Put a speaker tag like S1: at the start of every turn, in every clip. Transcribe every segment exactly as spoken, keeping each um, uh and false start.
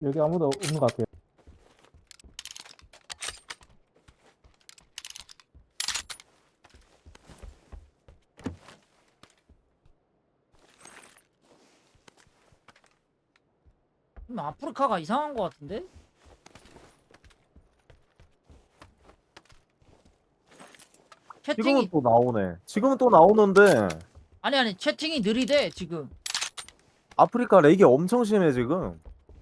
S1: 여기 아무도 없는 것 같아요.
S2: 음, 아프리카가 이상한 것 같은데?
S3: 지금은
S2: 채팅이
S3: 또 나오네. 지금은 또 나오는데
S2: 아니 아니 채팅이 느리대 지금.
S3: 아프리카 렉이 엄청 심해 지금.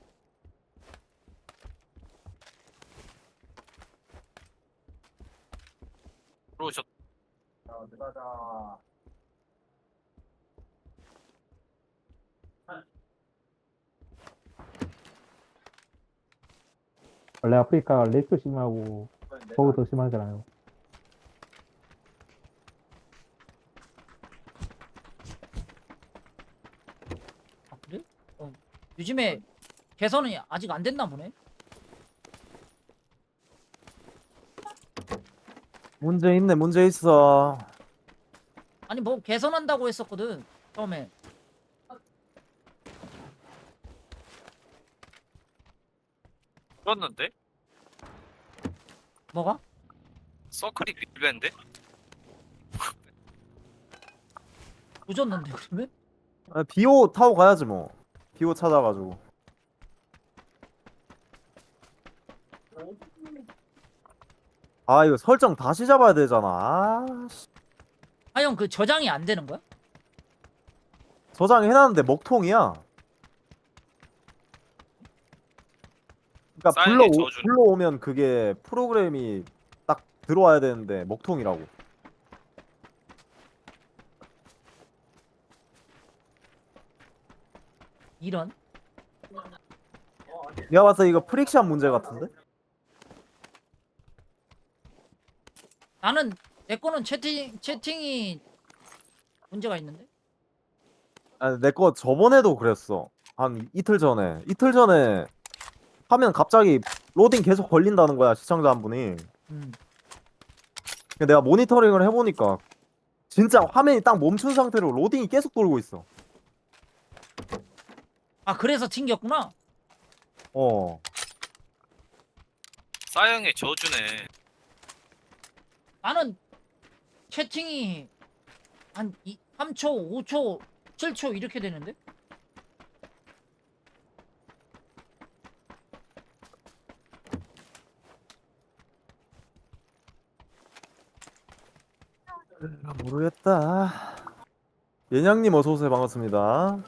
S4: 들어오셨.
S1: 원래 아프리카 렉도 심하고 버그 더 심하잖아요.
S2: 아 그래? 어. 요즘에 개선이 아직 안 됐나 보네.
S3: 문제 있네, 문제 있어.
S2: 아니 뭐 개선한다고 했었거든 처음에.
S4: 들었는데?
S2: 뭐가?
S4: 서클이 빌벤데?
S2: 조졌는데 그러면?
S3: 아, 비오 타고 가야지 뭐. 비오 찾아가지고. 아 이거 설정 다시 잡아야 되잖아. 아, 씨.
S2: 아 형 그 저장이 안 되는 거야?
S3: 저장해놨는데 먹통이야. 그러니까 불러
S4: 사양의 저주.
S3: 불러오면 그게 프로그램이 딱 들어와야 되는데 먹통이라고.
S2: 이런?
S3: 내가 봤을 때 이거 프릭션 문제 같은데?
S2: 나는 내 거는 채팅 채팅이 문제가 있는데?
S3: 아, 내 거 저번에도 그랬어. 한 이틀 전에. 이틀 전에 하면 갑자기 로딩 계속 걸린다는 거야, 시청자 한 분이.
S2: 음.
S3: 근데 내가 모니터링을 해보니까 진짜 화면이 딱 멈춘 상태로 로딩이 계속 돌고 있어.
S2: 아 그래서 튕겼구나.
S3: 어.
S4: 사양의 저주네.
S2: 나는 채팅이 한 이, 삼 초, 오 초, 칠 초 이렇게 되는데?
S3: 아, 모르겠다. 예냥님 어서오세요. 반갑습니다.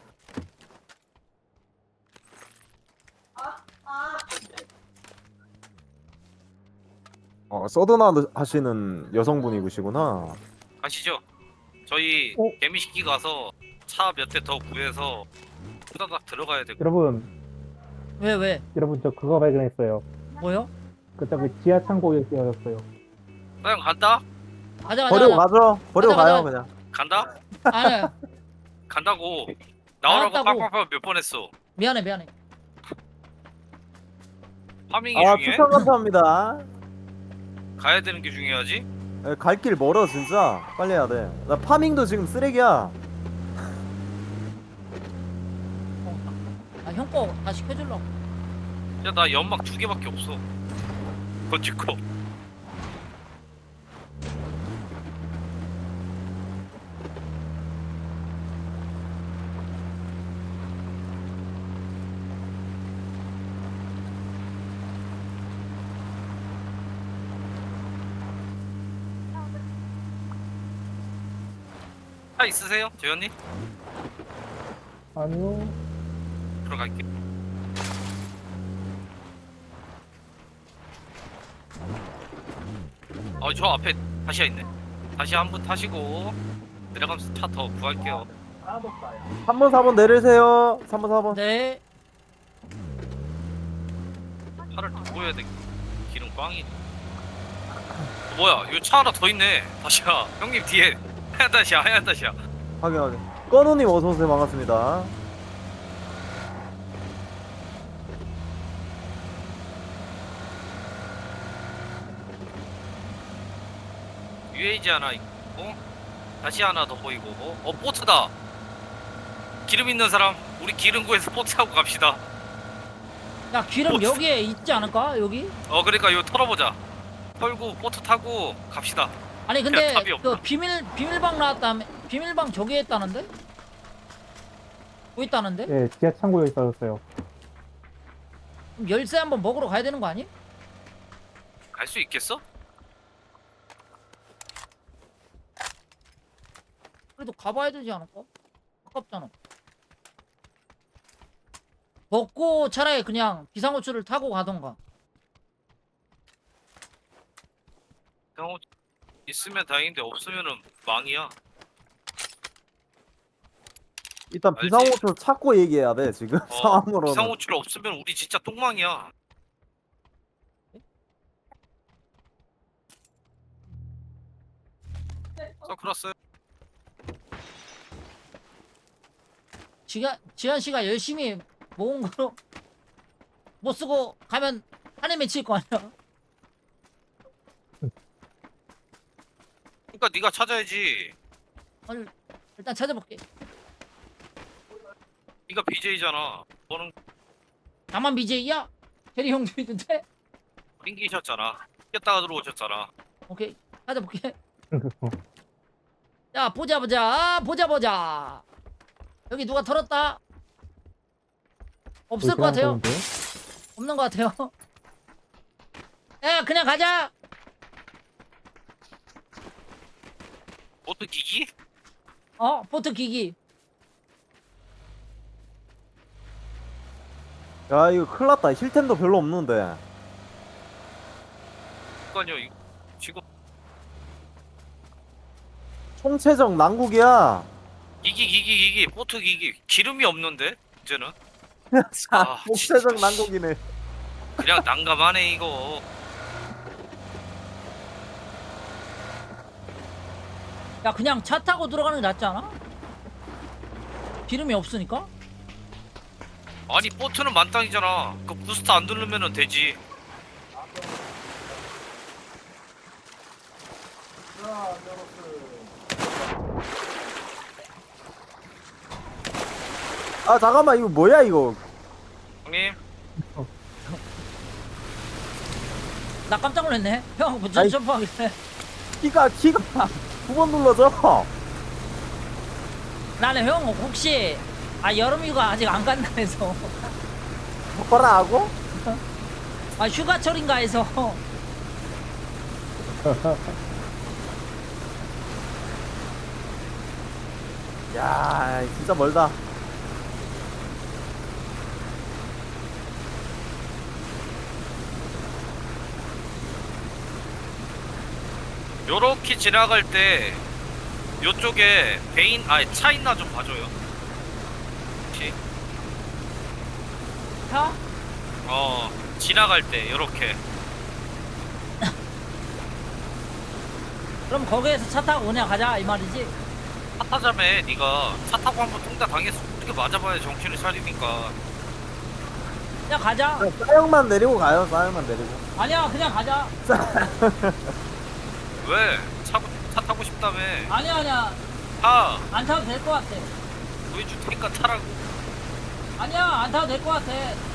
S3: 어, 서든아 하시는 여성분이시구나.
S4: 가시죠. 저희
S1: 어?
S4: 개미식기 가서 차 몇 대 더 구해서 후다닥 들어가야 되고.
S1: 여러분,
S2: 왜 왜?
S1: 여러분 저 그거 발견했어요.
S2: 뭐요?
S1: 그 저기 지하 창고에 끼어졌어요.
S4: 사양 간다?
S2: 가자 가자
S3: 버리고
S2: 가자.
S3: 가죠. 버리고
S2: 가자,
S3: 가요
S2: 가자.
S3: 그냥.
S4: 간다?
S2: 아니
S4: 간다고. 나오라고
S2: 나왔다고.
S4: 빡빡빡 몇 번 했어.
S2: 미안해 미안해.
S4: 파밍이
S3: 아
S4: 중요해?
S3: 추천 감사합니다.
S4: 가야 되는 게 중요하지?
S3: 갈 길 멀어 진짜. 빨리 해야 돼. 나 파밍도 지금 쓰레기야.
S2: 어, 아형 거 다시 켜주려고.
S4: 야, 나 연막 두 개밖에 없어. 그거 찍고. 차 있으세요? 재현님?
S1: 아니요.
S4: 들어갈게. 어, 저 앞에 다시야 있네. 다시 한 분 타시고 내려가면서 차 더 구할게요.
S3: 삼 번 사 번 내리세요. 삼 번 사 번.
S2: 네.
S4: 차를 두고 해야 돼. 기름 꽝이. 어, 뭐야? 이거 차 하나 더 있네. 다시야. 형님 뒤에 하얀 다시야. 하얀 다시야.
S3: 확인 확인. 건우님 어서오세요. 반갑습니다.
S4: 유에이지 하나 있고 다시 하나 더 보이고. 어, 보트다. 기름 있는 사람 우리 기름 구해서 보트 타고 갑시다.
S2: 야 기름
S4: 뭐,
S2: 여기에 있지 않을까? 여기?
S4: 어 그러니까 이거 털어보자. 털고 보트 타고 갑시다.
S2: 아니 근데
S4: 답이 없다.
S2: 그 비밀 비밀방 나왔다며. 비밀방 저기에 있다는데? 뭐 있다는데?
S1: 예, 지하 창고에 있었어요.
S2: 그럼 열쇠 한번 먹으러 가야 되는 거 아니?
S4: 갈 수 있겠어?
S2: 그래도 가봐야 되지 않을까? 아깝잖아. 먹고 차라리 그냥 비상호출을 타고 가던가.
S4: 형 있으면 다행인데 없으면은 망이야.
S3: 일단
S4: 알지?
S3: 비상호출 찾고 얘기해야 돼 지금
S4: 어,
S3: 상황으로는.
S4: 비상호출 없으면 우리 진짜 똥망이야. 서클났어요.
S2: 지가, 지한 씨가 열심히 모은 거로 못 쓰고 가면 한해 맺힐 거 아니야?
S4: 그러니까 네가 찾아야지.
S2: 아니, 일단 찾아볼게.
S4: 네가 비제이잖아. 너는
S2: 나만 비제이야? 대리 형도 있는데?
S4: 띵기셨잖아. 깼다가 들어오셨잖아.
S2: 오케이, 찾아볼게. 야, 보자, 보자, 보자, 보자. 여기 누가 털었다? 없을 것 같아요.
S1: 보이시나요?
S2: 없는 것 같아요. 야, 그냥 가자.
S4: 보트 기기?
S2: 어, 보트 기기.
S3: 야 이거 큰일 났다. 힐템도 별로 없는데.
S4: 그러니까요. 이거 지금
S3: 총체적 난국이야.
S4: 기기 기기 기기 보트 기기 기름이 없는데 이제는
S3: 자,
S4: 아,
S3: 총체적
S4: 진짜.
S3: 난국이네.
S4: 그냥 난감하네 이거.
S2: 야, 그냥 차 타고 들어가는 게 낫지 않아? 기름이 없으니까?
S4: 아니 보트는 만땅이잖아. 그 부스터 안 누르면은 되지.
S3: 아 잠깐만 이거 뭐야 이거.
S4: 형님
S2: 나 깜짝 놀랐네. 형, 뭐
S3: 아이.
S2: 점프하길래.
S3: 키가 키가 두 번 눌러져.
S2: 나는 형, 혹시, 아, 여름휴가 아직 안 간다 해서.
S3: 뭐라 하고?
S2: 아, 휴가철인가 해서.
S3: 야 진짜 멀다.
S4: 요렇게 지나갈 때 요쪽에 베인 아니 차 있나 좀 봐줘요. 혹시
S2: 차?
S4: 어 지나갈 때 요렇게.
S2: 그럼 거기에서 차 타고 그냥 가자, 이 말이지?
S4: 차 타자매 네가 차 타고 한번 통다 당해서 어떻게 맞아봐야 정신을 차리니까.
S2: 그냥 가자.
S3: 싸형만 내리고 가요. 싸형만 내리고.
S2: 아니야, 그냥 가자.
S4: 왜? 차, 차 타고 싶다며.
S2: 아니야, 아니야.
S4: 타
S2: 안 타도 될 것 같아.
S4: 보여줄 테니까 타라고.
S2: 아니야, 안 타도 될 것 같아.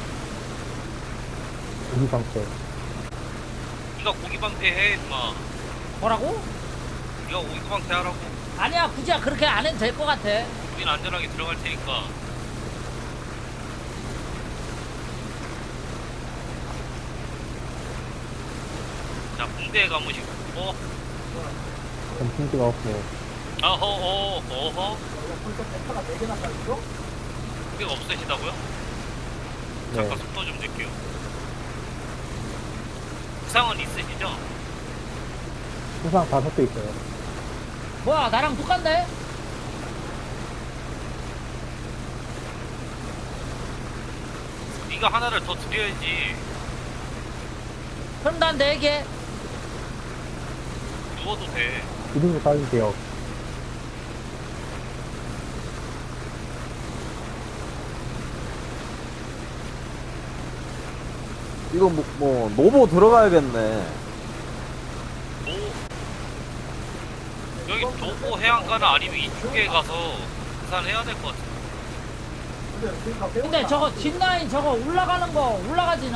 S1: 우리 상태.
S4: 네가 고기 방패해 임마.
S2: 뭐라고?
S4: 네가 고기 방패하라고.
S2: 아니야, 굳이 그렇게 안 해도 될 것 같아.
S4: 우린 안전하게 들어갈 테니까. 자 붕대에 가무시고. 어?
S1: 점심기가 없고.
S4: 아허 어 어허. 붕대가 없으시다고요?
S1: 네.
S4: 잠깐 속도 좀 줄게요. 부상은 있으시죠?
S1: 수상 다섯 개 있어요.
S2: 뭐야, 나랑 똑같네?
S4: 네가 하나를 더 드려야지.
S2: 그럼 난 네 개.
S4: 누워도 돼.
S1: 이름도 따주세요.
S3: 이거 뭐, 뭐 노보 들어가야겠네.
S4: 노 여기 도보 해안가나 아니면 이쪽에 가서 계산해야 될 것 같아.
S2: 근데 저거 뒷라인 저거 올라가는 거 올라가진